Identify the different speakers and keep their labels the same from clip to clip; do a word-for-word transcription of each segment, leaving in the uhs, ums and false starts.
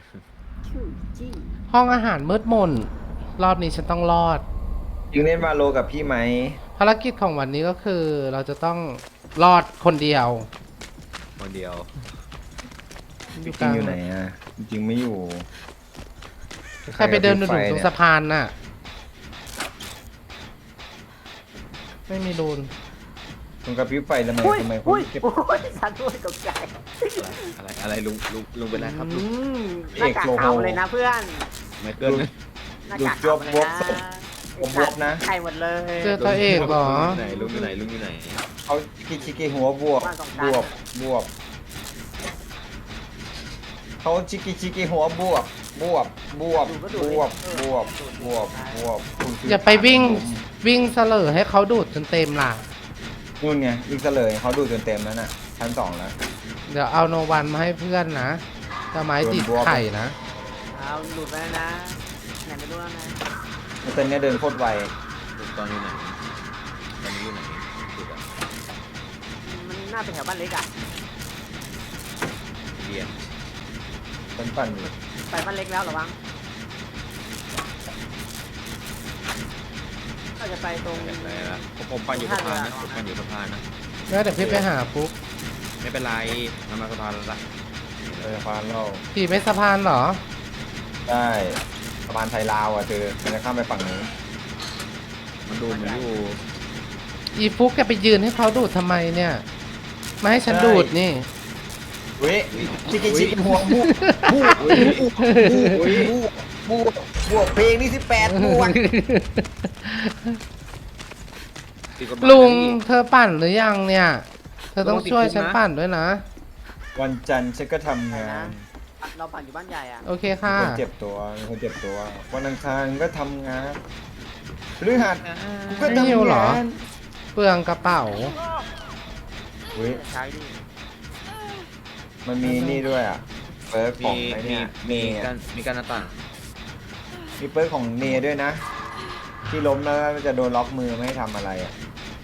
Speaker 1: ห้องอาหารมืดมนรอบนี้ฉันต้องรอด
Speaker 2: ยิงเล่นวาโลกับพี่ไหม
Speaker 1: ภารกิจของวันนี้ก็คือเราจะต้องรอดคนเดียว
Speaker 3: คนเดียว
Speaker 2: จริงๆอยู่ไหนอ่ะจริงๆไม่อยู่
Speaker 1: ใครไปเดินดูตรงสะพานน่ะ ไม่มีรูน
Speaker 2: ตรงกระพริบไฟทำไม
Speaker 4: อุ้ย
Speaker 2: ทำไมค
Speaker 4: อุ้
Speaker 2: น
Speaker 4: ย
Speaker 2: เก็บ
Speaker 4: โอ้ยฉันด้วยตกใจ
Speaker 3: อะไรอะไรลุงลุงลุงเป็นไรครับลุ
Speaker 4: อื
Speaker 3: ง
Speaker 4: มหน้ากากขาวเลยนะเพื่อน
Speaker 3: ไมเคิลนะ
Speaker 4: หน้ากากขาวเลยนะ
Speaker 2: ผมบวบนะ
Speaker 4: ไข่หมดเลย
Speaker 1: เจอตัวเอกเหรอ
Speaker 3: ไหนลุงอยู่ไหนลุงอยู่ไหน
Speaker 2: เขาชิกิชิกิหัวบวบบวบบวบเขาชิกิชิกิหัวบวบบวบบวบบวบบวบบวบบวบคุณคื
Speaker 1: อย่าไปวิ่งวิ่งเสลอให้เขาดูดจนเต็มล่ะ
Speaker 2: นู่นไงวิ่งเสลยเขาดูจนเต็มแล้วน่ะชั้นสองแล้ว
Speaker 1: เดี๋ยวเอาโนวันมาให้เพื่อนนะจะไม้ติดไข่นะ
Speaker 4: เอาหลุดไปแล้วนะไหนไม่รู้แล้วนะ
Speaker 2: แล้วตอนนี้เดินโคตรไว
Speaker 3: ลุงตอนอยู่ไหนตอนนี้อยู่ไหนสุดอะ
Speaker 4: มันน่าเป็นแถวบ้านเล็กอ่ะ
Speaker 3: เบียร์
Speaker 2: ปั่นปั่นอยู่
Speaker 4: ไปบ้านเล็กแล้วเหรอวังก็จะไปตรง
Speaker 3: เห็นอะไรละผมผมปั่นอยู่สะพานนะผมปั่นอยู่สะพานนะ
Speaker 1: แล้วเดี๋ยวพี่ไปหาปุ๊ก
Speaker 3: ไม่เป็นไรทำมาสะพานแล้วละ
Speaker 2: เออฟานเรา
Speaker 1: พี่ไม่สะพานเหรอ
Speaker 2: ได้สะพานไทยลาวอ่ะเธอมันจะข้ามไปฝั่งนู้น
Speaker 3: มันดูเหมือนอยู่
Speaker 1: อีฟุกแกไปยืนให้เขาดูดทำไมเนี่ยมาให้ฉันดูดนี่
Speaker 2: เว้ยชิกิชิกิหัวบูบูบูบูบูบวกเพลงนี่สิบแปดบวก
Speaker 3: ติดกฎหมาย
Speaker 1: ลุง
Speaker 3: นะพี่
Speaker 1: เธอปั่นหรือยังเนี่ย เธอต้องช่วยฉันปั่นด้วยนะ
Speaker 2: วันจันทร์ฉันก็ทำงาน
Speaker 4: เราปั่นอยู่บ้านใหญ่อ่ะ
Speaker 1: โอเค
Speaker 2: มี
Speaker 1: ค่ะ
Speaker 2: คนเจ็บตัวมีคนเจ็บตัว วันอังคารก็ทำงานพฤหัสก็
Speaker 1: ไม่หิว
Speaker 2: ทำ
Speaker 1: เหรอ
Speaker 2: งาน
Speaker 1: เปลืองกระเป๋า
Speaker 2: เฮ้ย
Speaker 4: ใช้ดิ
Speaker 2: มันมีนี่ด้วยอ่ะเปิร์กข
Speaker 3: มี
Speaker 2: องไอ้
Speaker 3: มี
Speaker 2: เนี่ยเน
Speaker 3: มี
Speaker 2: ย
Speaker 3: การมีการหน้าต่าง
Speaker 2: มีเปิร์กของเนยด้วยนะ ที่ล้มแล้วมันจะโดนล็อกมือไม่ให้ทำอะไรอ่ะ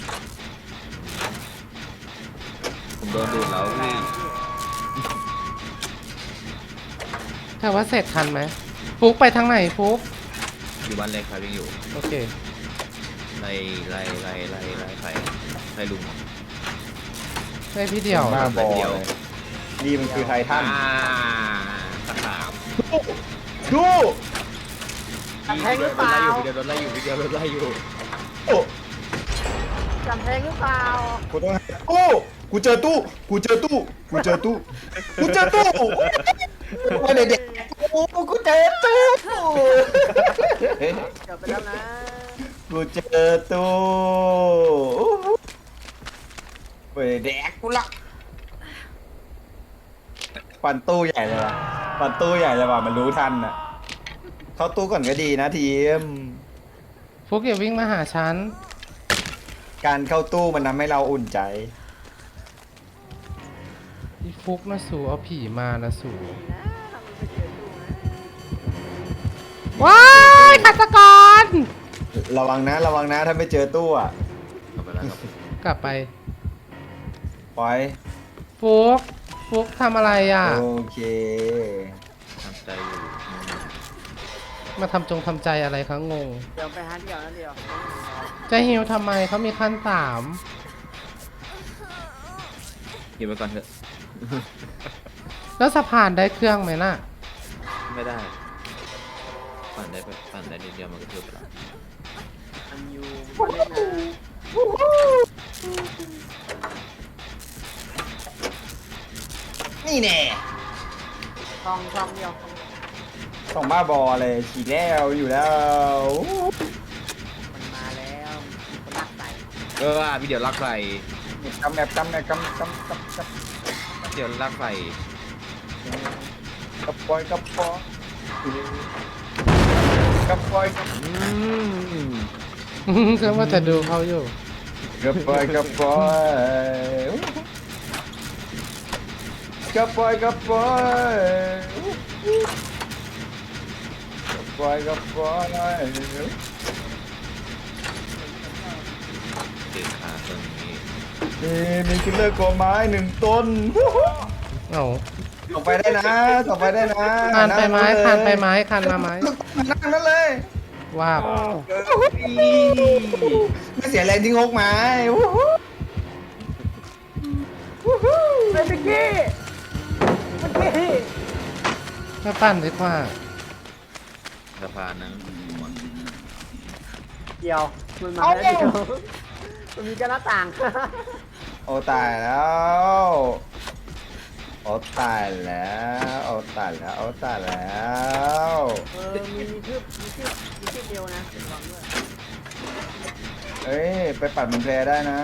Speaker 3: ผมโดนดูดแล้วพี่
Speaker 1: แต่ว่าเสร็จทันไหมฟุกไปทางไหนฟุก
Speaker 3: อยู่บ้านเล็กครับยังอยู่
Speaker 1: โอเค
Speaker 3: ไล่ไล่ไล่ไล่ไล่ใครไล่ลุง
Speaker 1: ได้พี่เดียว
Speaker 2: บ้าบอ
Speaker 3: เดียว
Speaker 2: เลยนี่มันคือไททัน
Speaker 3: อ่าสนาม
Speaker 2: ดู
Speaker 4: จำแพงหรือเปล่า
Speaker 3: วิดีโอรถไล่อยู่วิดีโอรถไล่อยู่
Speaker 2: โอ้
Speaker 4: จำแพงหรือเปล่า
Speaker 2: กูต้องโอ้กูเจอตู้ กูเจอตู้ กูเจอตู้ กูเจอตู้มาเด็กๆโอ้กูเจอตู้
Speaker 4: เกือบไปแล้วนะ
Speaker 2: กูเจอตู้ไปแดกกูละปันตู้ใหญ่เลยว่ะปันตู้ใหญ่เลยว่ะมันรู้ทันอ่ะ เข้าตู้ก่อนก็ดีนะทีม
Speaker 1: ฟุกอย่าวิ่งมาหาฉัน
Speaker 2: การเข้าตู้มันทำให้เราอุ่นใจ
Speaker 1: อีฟุกนะสูเอาผีมานะสู
Speaker 4: นะมันไปเจอตู้นะ
Speaker 1: ว้ายฆาตกร
Speaker 2: ระวังนะ ระวังนะถ้าไม่เจอตู้อ่ะ
Speaker 3: กลับไปแล้วครับ
Speaker 1: กลับไป
Speaker 2: ปล่อย
Speaker 1: ฟุกฟุกทำอะไรอ่ะ
Speaker 2: โอเค
Speaker 3: ทำใจอยู่
Speaker 1: มาทำจงทำใจอะไรคะงง
Speaker 4: เดี๋ยวไปหาเดี่ยวนะเดี่ยว
Speaker 1: จะฮิวทำไมเขามีขั้นสาม
Speaker 3: หยิบไปก่อนเถอะ
Speaker 1: แล้วสะพานได้เครื่องไหมล่ะ
Speaker 3: ไม่ได้ ปั่นได้ไปปั่นได้นิดเดียวมันก็เทือไปแล้ว
Speaker 4: มันอยู่บนเล่นนะ
Speaker 2: นี่แน่
Speaker 4: ช่องช่องเดียว
Speaker 2: ต้องบ้าบอเลยฉีดแล้วอยู่แล้ว
Speaker 4: มันมาแล้วมีคนรักใส่
Speaker 3: เออวิดีโอลากใส่
Speaker 2: กำแบบกำแบบกำกำกำกำ
Speaker 3: วิดีโอลากใส่
Speaker 2: กระปอยกระปอยกระปอย
Speaker 3: อืม
Speaker 1: ฉันว่าจะดูเขาอยู่
Speaker 2: กระปอยกระปอยกระปอยกระปอยกระปอยกระปอย
Speaker 3: เด็กขาตัวนี้
Speaker 2: มีมีคิลเลอร์กอไม้หนึ่งต้น
Speaker 1: เอา
Speaker 2: ส่งไปได้นะส่งไปได้นะ
Speaker 1: คานไปไม้คานไปไม้คานมาไม้
Speaker 2: นั่งนั่นเลย
Speaker 1: ว่าบ
Speaker 2: ไม่เสียแรงที่งกไม้วู้ฮู้วู้ฮู้
Speaker 4: เมื่อกี้เมื่อกี้
Speaker 1: ไม่ปั้นดีกว่า
Speaker 3: สะพานนั้นหมด
Speaker 4: เดียวมันมาแล้วเดียวมันมีกระหน้าต่าง
Speaker 2: โอ้ตายแล้วโอ้ตายแล้วโอ้ตายแล้วโอ้ตายแล้ว
Speaker 4: เออมีมีคืบมีคืบมีคืบเดียวนะระวังด้วย
Speaker 2: เอ้ยไปปัดมันแพรได้นะ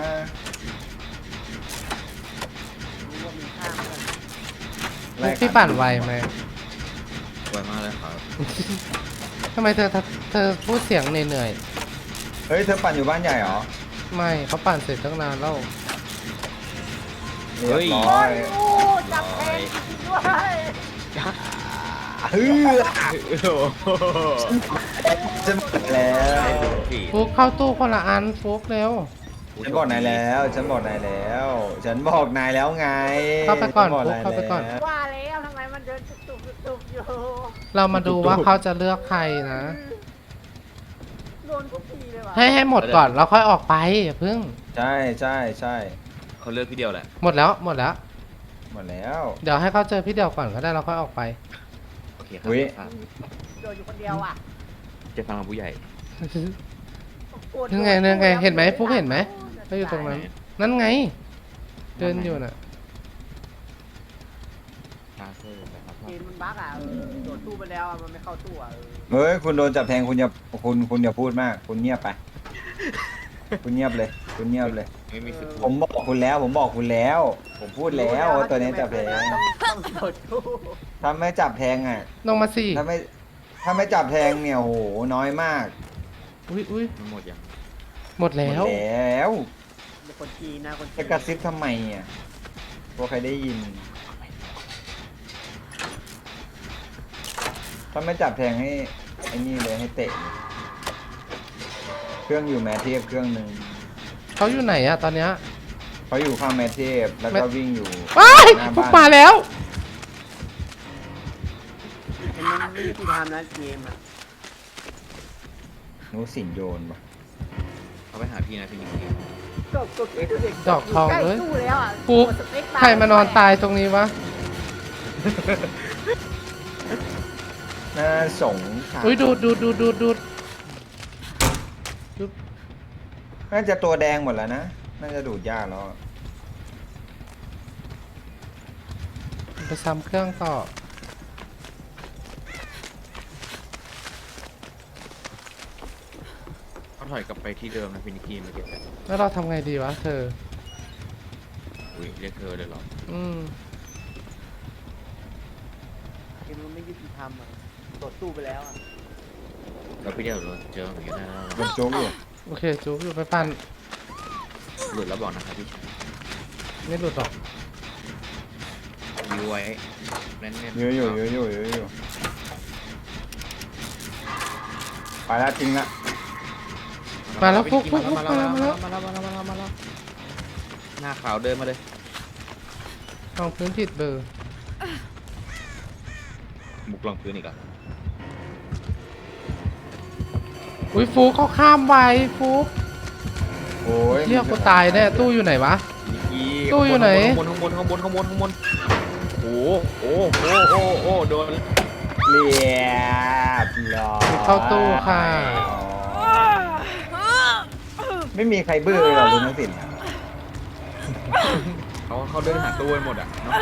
Speaker 4: รู้ว่ามีข้ามกัน
Speaker 2: ไล่
Speaker 1: พี่ปั่นไวไหม
Speaker 3: ไวมากเลยครับ
Speaker 1: ทำไมเธอเธอพูดเสียงเหนื่อย
Speaker 2: เฮ้ยเธอปั่นอยู่บ้านใหญ่เหรอ
Speaker 1: ๆไม่เขาปั่นเสร็จตั้งนานแล้ว
Speaker 2: เรียบร้อ
Speaker 4: โอ้
Speaker 2: ย
Speaker 4: ยโอ้จับแทงจริงๆด้วย
Speaker 2: เฮ้ย
Speaker 3: โอ้โห
Speaker 2: จะบอกแล้ว
Speaker 3: สี่
Speaker 1: ฟุกเข้าตู้คนละอันฟุกเร็ว
Speaker 2: ฉันบอกนายแล้ว ฉันบอกนายแล้ว ฉันบอกนายแล้วไง
Speaker 1: เข้าไปก่อน
Speaker 2: ฉับ
Speaker 1: ฟุ๊กเข้าไปก่อน
Speaker 2: แล้ว
Speaker 4: ว่าแล้วทำไมมันเดินตุบๆตุบๆอยู่
Speaker 1: เรามาดูว่าเขาจะเลือกใครนะ
Speaker 4: โดนทุกทีเลยว่ะ
Speaker 1: ให้ให้หมดก่อนแล้วค่อยออกไปอย่าเพิ่ง
Speaker 2: ใช่ใช่ใช่
Speaker 3: เขาเลือกพี่เดียวแหละ
Speaker 1: หมดแล้วหมดแล้ว
Speaker 2: หมดแล้ว
Speaker 1: เดี๋ยวให้เขาเจอพี่เดียวก่อนก็ได้เราค่อยออกไป
Speaker 3: โอเคครับ
Speaker 2: อุ๊ย
Speaker 3: ครับ
Speaker 4: โดนอยู่คนเดียวอ่ะ
Speaker 3: จะฟังผู้ใหญ่
Speaker 1: ยังไงยังไงเห็นไหมฟุกเห็นไหมเขาอยู่ตรงนั้น นั่นไง เดินอยู่น่ะ
Speaker 3: คาเซ่นะครับ
Speaker 4: เกมมันบั๊กอ่ะเออโดดตู้ไปแล้วอะมันไม่เข้าตู้อ่ะเออ
Speaker 2: เฮ้ยคุณโดนจับแทงคุณอย่าคุณคุณอย่าพูดมาก คุณเงียบไป คุณเงียบเลย คุณเงียบเลย
Speaker 3: ไม่มีสิทธิ์
Speaker 2: ผมบอกคุณแล้ว ผมบอกคุณแล้ว ผมพูดแล้วว่าตัวนี้จับแทง
Speaker 4: ต้องต้องโดดตู้
Speaker 2: ถ้าไม่จับแทงอ่ะ
Speaker 1: ลงมาสิ
Speaker 2: ถ้าไม่ถ้าไม่จับแทงเนี่ยโหน้อยมาก
Speaker 1: อุ้ยอุ้ย
Speaker 3: มันหมดยัง
Speaker 1: หมดแล้ว
Speaker 2: หมดแล้ว
Speaker 4: เป็นคนจีนนะคนจีน
Speaker 2: จะกระซิบทำไมอ่ะกลัวใครได้ยิน ถ้าไม่จับแทงให้ไอ้นี่เลยให้เตะ เครื่องอยู่แมทเทพเครื่องหนึ่ง
Speaker 1: เขาอยู่ไหนอะตอนเนี้ย
Speaker 2: เขาอยู่ข้างแมทเทพแล้วก็วิ่งอยู่
Speaker 1: ว้าย
Speaker 2: หน้า
Speaker 1: ฟุก
Speaker 2: บ้าน
Speaker 1: มาแล้ว
Speaker 4: มันมันไม่ยุติธรรมนะเกมอ่ะ
Speaker 2: หนูสินโยนปะ
Speaker 3: เขาไปหาพี่นะพี่นิกกี้
Speaker 4: ก็ก็เกมเด็ก
Speaker 1: ดอกทองเลย
Speaker 4: ใกตู้แล้วอ่ะ
Speaker 1: ฟุก
Speaker 4: กดสเปบา
Speaker 1: ใครมานอนตายตรงนี้วะ
Speaker 2: น่าสงสาร
Speaker 1: อุ้ยดูดดูดดูดดูดดูด
Speaker 2: น่าจะตัวแดงหมดแล้วนะ น่าจะดูดยากแล้ว
Speaker 1: ไปซ้ำเครื่องต่อ
Speaker 3: เขาถอยกลับไปที่เดิมนะพี่นิกกี้เมื่อกี้
Speaker 1: แล้วเราทำไงดีวะเธอ
Speaker 3: อุ้ยเรียกเธอเลยเหรอ
Speaker 1: อืม
Speaker 4: เกมมันไม่ยุติธรรมอ่ะกดตู้ไปแล้วอ่ะ
Speaker 3: แล้วพี่เดียวโดนเจอเหมือนกันนะ
Speaker 2: มันโจ๊กอยู่
Speaker 1: โอเคจูบอยู่ไปปั่น
Speaker 3: หลุดแล้วบอกนะครับพี่ชาย
Speaker 1: ไม่หลุดหรอก
Speaker 3: ยื้อไว้แน่นๆ
Speaker 2: เยอะอยู่เยอะอยู่เยอะอยู่ไปแล้วจริงละ
Speaker 1: มาแล้วฟุกฟุกฟุก
Speaker 3: มา
Speaker 1: มา
Speaker 3: แล้
Speaker 1: แล้ว ว
Speaker 3: มา
Speaker 1: มา
Speaker 3: แล้
Speaker 1: แล้ว ว
Speaker 3: มาแล้วมาแล้วมาแล้วหน้าขาวเดินมาเลย
Speaker 1: ลองพื้นผิดเบอร์
Speaker 3: บุกลงพื้นอีกอ่ะ
Speaker 1: อุ้ยฟุกเขาข้ามไวฟุก
Speaker 2: โอ้ย
Speaker 1: เรียกกูตายแน่ตู้อยู่ไหนวะ
Speaker 3: นิกกี้
Speaker 1: ตู้อยู่ไหน
Speaker 3: ข้างบนข้างบนข้างบนข้างบนข้างบนโอ้โหโอ้โหโอ้โหโอ้โหโดน
Speaker 2: เรียบร้อย
Speaker 1: เข้าตู้ค่ะ
Speaker 2: ไม่มีใครบื้อเลยเหรอลุงนักสิน
Speaker 3: เขาเขาเดินหาตู้ไปหมดอ่ะเนาะ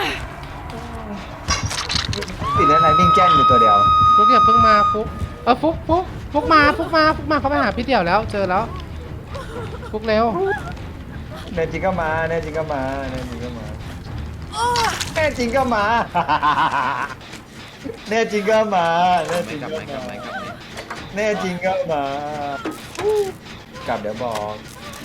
Speaker 2: สินอะไรวิ่งแจ้นอยู่ตัวเดียว
Speaker 1: ฟุกอย่าเพิ่งมาฟุกเออฟุกฟุกฟุกมาฟุกมาฟุกมาเขาไปหาพี่เดี่ยวแล้วเจอแล้วฟุกเร็ว
Speaker 2: แน่จริงก็มาแน่จริงก็มาแน่จริงก็มาแน่จริงก็มาแน่จริงก็มาแน่จ
Speaker 3: ไม่
Speaker 2: ริง
Speaker 3: กลับ
Speaker 2: ก็
Speaker 3: ไม่กลับ
Speaker 2: มา
Speaker 3: ไม่กลับไม่
Speaker 2: แน่จริงก็มากลับเดี๋ยวบอก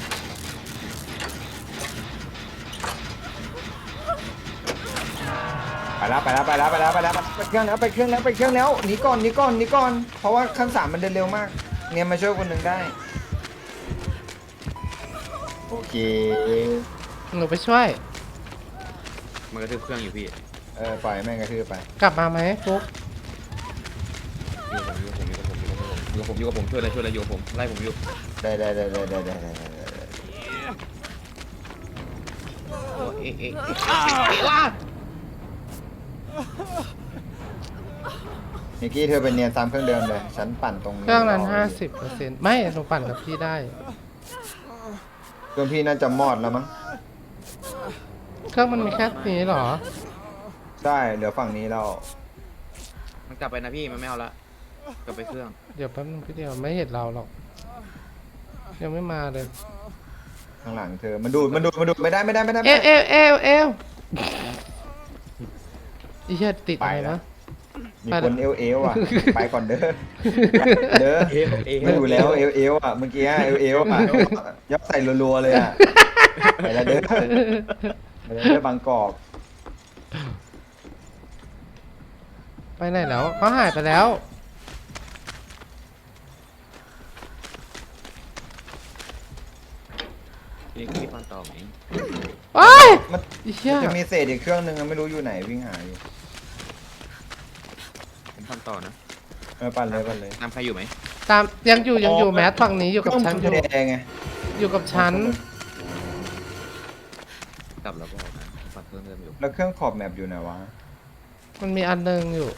Speaker 2: ไปแล้วไปแล้วไปแล้วไปแล้วไปแล้วไปเครื่องแล้วไปเครื่องแล้วไปเครื่องแล้วหนีก่อนหนีก่อนหนีก่อนเพราะว่าขั้นสามมันเดินเร็วมากเนี่ยมาช่วยคนหนึ่งได้โอเค
Speaker 1: หนูไปช่วย
Speaker 3: มันกระทืบเครื่องอยู่พี่
Speaker 2: เอเออปล่อยแม่งกระทืบไป
Speaker 1: กลับมาไหมฟุก
Speaker 3: อยู่กับผมอยู่กับผมอยู่กับผมอยู่กับผมอยู่กับผมช่วยเลยช่วยเลยอยู่กับผมไล่ผมอยู่
Speaker 2: ได้ได้ได้ได้ได้ได้ได้ได้ได้
Speaker 3: โอ้เอ๊ะเอ๊ะเอ๊ะเอ๊ะว้า
Speaker 2: นิกกี้เธอเป็นเนียนซ้ำเครื่องเดิมเลยฉันปั่นตรง
Speaker 1: เครื่องนั้นห้าสิบเปอร์เซ็นต์ไม่หนูปั่นกับพี่ได้
Speaker 2: เครื่องพี่น่าจะมอดแล้วมั้ง
Speaker 1: เครื่องมันมีแค่นี้เหรอ
Speaker 2: ใช่เหลือฝั่งนี้เรา
Speaker 3: มันกลับไปนะพี่มันไม่เอาละกลับไปเครื่อง
Speaker 1: เดี๋ยวแป๊บนึงพี่เดียวไม่เห็นเราหรอกยังไม่มาเลย
Speaker 2: ข้างหลังเธอมันดูดมันดูดมันดูดไม่ได้ไม่ได้ไม่ได้
Speaker 1: เอ
Speaker 2: ไม่
Speaker 1: ว
Speaker 2: ได้
Speaker 1: เอวเอวเอวอีเหี้ยติดอะไรนะ
Speaker 2: มีคนเอวเอวอ่ะไปก่อนเด้อเด้อ
Speaker 3: เอ๊ะเอ๊ะ
Speaker 2: ไม่อยู่แล้วเอวเอวอ่ะเมื่อกี้เอวเอวอ่ะยับใส่รัวๆเลยอ่ะไปแล้วเด้อไปแล้วเด้อบางกอก
Speaker 1: ไปไหนแล้วเขาหายไปแล้ว
Speaker 3: นี่พี่ฟันต่อไหม
Speaker 1: โอ้ย
Speaker 2: มัน
Speaker 1: อีเหี้ย
Speaker 2: จะมีเศษอีกเครื่องนึงอะไม่รู้อยู่ไหนวิ่งหาอยู่
Speaker 3: ผมฟันต่อนะ
Speaker 2: เออปั่นเลยปั่นเลย
Speaker 3: น้ำใครอยู่ไหม
Speaker 1: ตามยังอยู่ยังอยู่แมสฝั่งนี้อยู่กับฉันอ
Speaker 2: เครื่
Speaker 1: ยู่
Speaker 2: งแดงไง
Speaker 1: อยู่กับฉัน
Speaker 3: กลับแล้วก็นะฟันเครื่องเดิมอยู่
Speaker 2: แล้วเครื่องขอบแมปอยู่ไหนวะ
Speaker 1: มันมีอันหนึงอยู่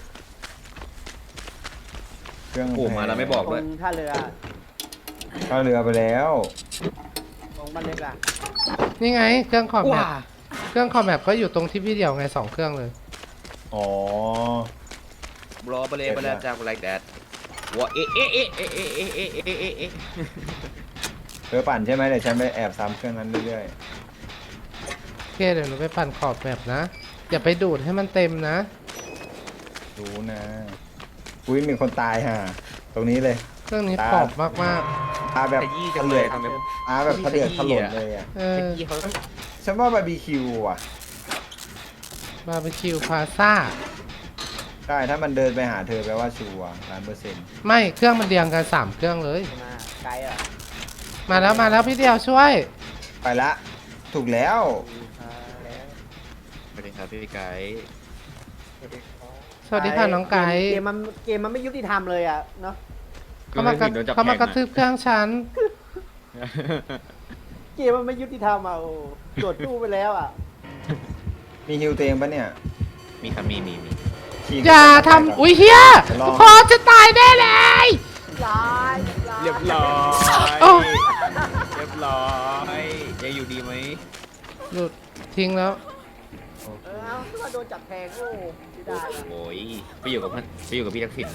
Speaker 2: เครื่อง
Speaker 3: โอ้มาแล้วไม่บอก
Speaker 4: ตร
Speaker 3: ด้วย
Speaker 4: งท่าเรือ
Speaker 2: เข้าเรือไปแล้ว
Speaker 4: ตรงบ้านเล็กอ่ะ
Speaker 1: นี่ไง เครื่องคอมแม
Speaker 3: ว้า
Speaker 1: ปเครื่องคอมแมปก็อยู่ตรงที่พี่เดียวไงสองเครื่องเลย
Speaker 2: อ๋อ
Speaker 3: รอไปเลยไปเลยจากไลค์แดดว้าเอ๊ะเอ๊ะเอ๊ะเอ๊ะเอ๊ะเอ๊ะเอ๊ะเอ๊ะเอ๊ะเอ๊ะ
Speaker 2: เธอปั่นใช่ไหมเดี๋ยวฉันไปแอบซ้ำเครื่องนั้นเรื่อย
Speaker 1: โอเคเดี๋ยวหนูไปปั่นขอบแมปนะ อย่าไปดูดให้มันเต็มนะ
Speaker 2: ๆรู้นะอุ้ยมีคนตายห่าตรงนี้เลย
Speaker 1: เครื่องนี้ขอบมาก
Speaker 2: ตาแบบ
Speaker 3: ขยี้จังเลยทำไม
Speaker 2: ตาแบบทะเดือดถลนเลยอ่ะ
Speaker 1: ๆ เอ
Speaker 3: ข
Speaker 1: อ
Speaker 3: ยี้เขา
Speaker 2: ฉันว่าบาร์บีคิวอ่ะ
Speaker 1: บาร์บีคิวพาซ่า
Speaker 2: ใช่ถ้ามันเดินไปหาเธอแปลว่าชัวร์ล้านเปอร์เซ็นต์
Speaker 1: ไม่เครื่องมันเรียงกันสามเครื่องเลย
Speaker 4: มาไกลอ่ะ
Speaker 1: มาแล้วมาแล้วพี่เดียวช่วย
Speaker 2: ไปละ ถูกแล้ว
Speaker 4: มาแล้ว
Speaker 3: สวัสดีครับพี่ไก่
Speaker 1: สวัสดีค่ะน้องไก่
Speaker 4: เกมมันเกมมันไม่ยุติธรรมเลยอ่ะเนาะ
Speaker 1: เขามากระเขามากระทืบเครื่องฉัน
Speaker 4: เกมมันไม่ยุติธรรมอ่ะโอ้โดดตู้ไปแล้วอ่ะ
Speaker 2: มีฮิวเตงปะเนี่ย
Speaker 3: มีครับมีมีมี
Speaker 2: ฉีก
Speaker 1: อย่าทำอุ้ยเฮียพอจะตายแน่เลย
Speaker 4: ร้ายร้าย
Speaker 3: เรียบร้อย
Speaker 1: โอ้
Speaker 3: เรียบร้อยยังอยู่ดีไหม
Speaker 1: หลุดทิ้งแล้ว
Speaker 4: เออเอาถ้าโดนจับแทงโอ้ไม่ได้อะ
Speaker 3: โอ้ยไปอยู่กับมันไปอยู่กับพี่ทักษิณ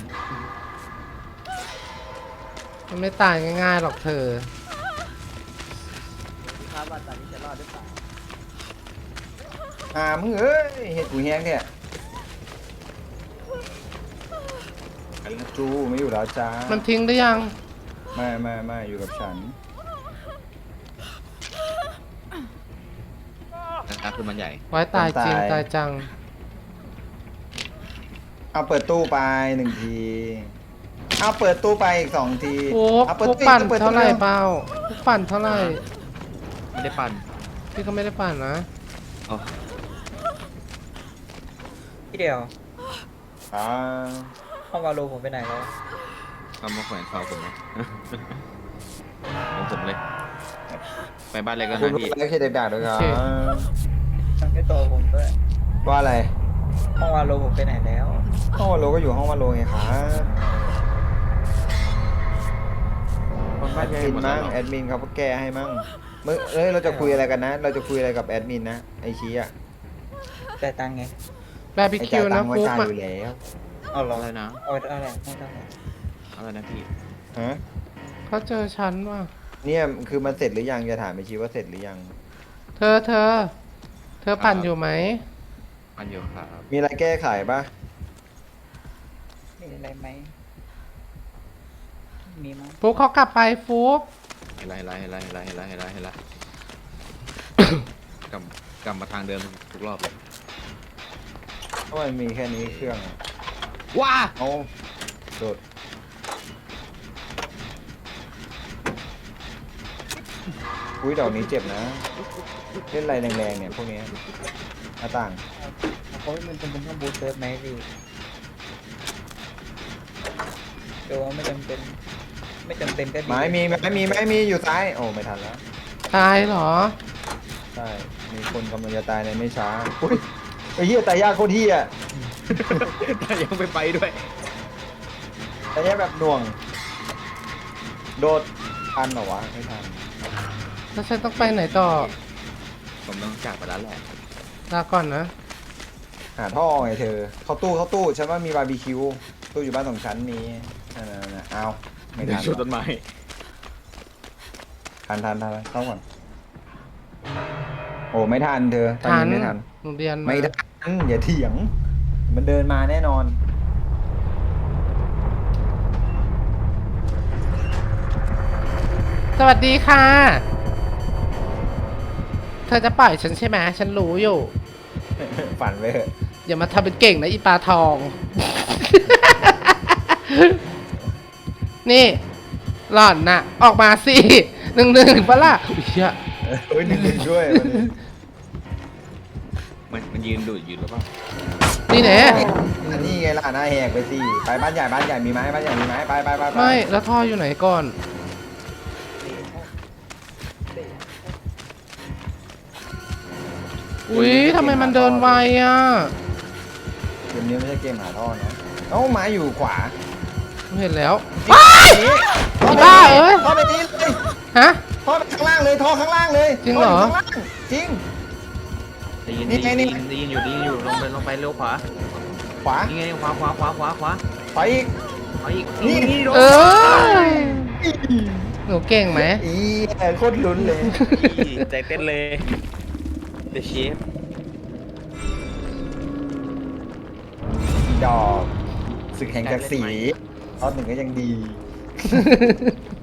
Speaker 1: มันไม่ตายง่ายๆหรอกเธอ
Speaker 4: ครับว่าตอนนี้จะรอดหรือเปล่า
Speaker 2: อ่ามึงเอ้ยเห็ดกูแห้งเนี่ยจูไม่อยู่แล้วจ้า
Speaker 1: มันทิ้งหรือยัง
Speaker 2: ไม่ไม่ไม่อยู่กับฉัน
Speaker 3: นะครับคือมันใหญ่
Speaker 1: ไว้ตายจริงตายจัง
Speaker 2: เอาเปิดตู้ไปหนึ่งทีเอาเปิดตู้ไปอีกสองที
Speaker 1: โอ้
Speaker 2: เอาเปิด
Speaker 1: พวก
Speaker 2: ตู้
Speaker 1: ปั่น
Speaker 2: อีกปิด
Speaker 1: เท่าไหร่
Speaker 2: ตู้
Speaker 1: เปล่าพวกปั่นเท่าไหร่
Speaker 3: ไม่ได้ปั่น
Speaker 1: พี่ก็ไม่ได้ปั่นนะ
Speaker 3: อ๋อ
Speaker 5: พี่เดียว
Speaker 2: อ่า
Speaker 5: ห้องวาโลผมไปไหนแล้ว
Speaker 3: เอามาแขวนคอผมนะ ของผมเลย ไปบ้านเลยก็
Speaker 2: คุณ
Speaker 3: นะ
Speaker 2: รู้
Speaker 3: พี่
Speaker 2: แล้วแค่เด็กด่าด้วยครับ
Speaker 5: ทั้งไม่ตัวผมด้วย
Speaker 2: ว่าอะไร
Speaker 5: ห้องวาโลผมไปไหนแล้ว
Speaker 2: ห้องวาโลก็อยู่ห้องวาโลไงครับ
Speaker 3: คน
Speaker 2: แอ
Speaker 3: บ้าน
Speaker 2: ด
Speaker 3: ใหญ่
Speaker 2: มิน
Speaker 3: หมดแล้
Speaker 2: มั่
Speaker 3: ว
Speaker 2: ง
Speaker 3: เหรอ
Speaker 2: แอดมินเขาก็แก้ให้มั่งเมื่อเอ้ยเราจะคุยอะไรกันนะ เราจะคุยอะไรกับแอดมินนะไอชี้อ่ะ
Speaker 5: แต่ายตังค์ไง
Speaker 1: บาร์บี
Speaker 2: ไอ
Speaker 1: คิ
Speaker 2: จ่ายว ตั
Speaker 1: นะ
Speaker 2: งค์ไว้
Speaker 1: ฟุก
Speaker 2: จ่าย
Speaker 1: มา
Speaker 2: อยู่แล้ว
Speaker 5: เอาเหรอ
Speaker 3: อะไรนะ
Speaker 5: เอาเอาอะไรไม่ต้อง
Speaker 3: อะไรนะพี่
Speaker 2: ฮะ
Speaker 1: เขาเจอฉันว่ะ
Speaker 2: เนี่ยคือมันเสร็จหรือยังจะถามไอชี้ว่าเสร็จหรือยัง
Speaker 1: เธอเธอ เธอปั่นอยู่ไหม
Speaker 3: อันอยู่ครับ
Speaker 2: มีอะไรแก้ไขปะ
Speaker 5: มีอะไรไหมมีมั้ง
Speaker 1: ฟุกเขากลับไปฟุก
Speaker 3: เห็นไรเห็นไรเห็นไรเห็นไรเห็นไรเห็นไรเห็นไรกลับกลับมาทางเดิมทุกรอบเลย
Speaker 2: เพราะมันมีแค่นี้เครื่องอะ
Speaker 3: ว้า
Speaker 2: เอาโดดอุ้ยดอกนี้เจ็บนะเล่นอะไรแรงๆเนี่ยพวกเนี้ยหน้าต่าง
Speaker 5: เอาโอ้ยมันจำเป็นต้องบูสเซิร์ฟไหมพี่โดว่าไม่จำเป็น ไม่จำเป็นก็ดี
Speaker 2: ไม้มีไม้มีไม้มีอยู่ซ้ายโอ้ไม่ทันแล้ว
Speaker 1: ตายเหรอ
Speaker 2: ใช่มีคนกำลังจะตายในไม่ช้าอุ้ยไอ้เหี้ยตายยากโคตรเหี้ย
Speaker 3: แต่ยังไม่ไปด้วย
Speaker 2: ตายยากแบบหน่วง โดดทันเหรอวะไม่ทัน
Speaker 1: แล้วฉันต้องไปไหนต่อ
Speaker 3: ผมต้องจากไปแล้วแหละ
Speaker 1: ลาก่อนนะ
Speaker 2: หาท่อไงเธอ เข้าตู้เข้าตู้ฉันว่ามีบาร์บีคิวตู้อยู่บ้านสองชั้นมีนั่นน่ะเอาไม่ทัน
Speaker 3: ชุดต้นไม้
Speaker 2: ทันทันทันเข้าก่อนโอ้ไม่ทันเธอตอน
Speaker 1: ทัน
Speaker 2: นี้ไม่ทัน
Speaker 1: หนูเรียนมา
Speaker 2: ไม่ทันอย่าเถียง มันเดินมาแน่นอน
Speaker 1: สวัสดีค่ะ เธอจะปล่อยฉันใช่ไหมฉันรู้อยู่
Speaker 2: ฝันไปเถอะ
Speaker 1: อย่ามาทำเป็นเก่งนะอีปลาทอง นี่ หล่อนน่ะ ออกมาสิ หนึ่งหนึ่งปะล่ะอุ๊ยเหี้ย
Speaker 2: เฮ้ยหนึ่งหนึ่งด้วยวันนี้
Speaker 3: มันมันยืนดูดอยู่หรือเปล่า
Speaker 1: นี่แน่
Speaker 2: อันนี้ไงล่ะหน้าแหกไปสิไปบ้านใหญ่บ้านใหญ่มีไหมบ้านใหญ่มีไหมไปไปไปไป
Speaker 1: ไม่ แล้วท่ออยู่ไหนก่อน อุ๊ยทำไมมันเดินไวอ่ะ
Speaker 2: เกมนี้ไม่ใช่เกมหาท่อนะเอ้าไม้อยู่ขวา
Speaker 1: เห็นแล้ว
Speaker 2: ว้าย
Speaker 1: อีบ้าเอ้ย
Speaker 2: ท่อไปนี้เลย
Speaker 1: ฮะ
Speaker 2: ท่อไปข้างล่างเลยท่อข้างล่างเลย
Speaker 1: จริงเหรอ
Speaker 2: ท่ยู่ข้างล่างจริง
Speaker 3: ได้ยิน
Speaker 2: นี่
Speaker 3: ได้
Speaker 2: ไง
Speaker 3: ยิน
Speaker 2: นี่
Speaker 3: ได้ยินอยู่ได้ยินอยู่ลงไปลงไปเร็วขวา
Speaker 2: ขวา
Speaker 3: นี่ไงขวาขวาขวาขวาขวา
Speaker 2: ขวาอีก
Speaker 3: ขวาอีก
Speaker 2: นี่
Speaker 3: นี่โดน
Speaker 1: เออหนูเก่งไหม
Speaker 2: อีโคตรลุ้นเลย
Speaker 3: ใจเต้นเลย The Chef
Speaker 2: ดอกศึกแห่งศักดิ์ศรีรอบหนึ่งก็ยังดี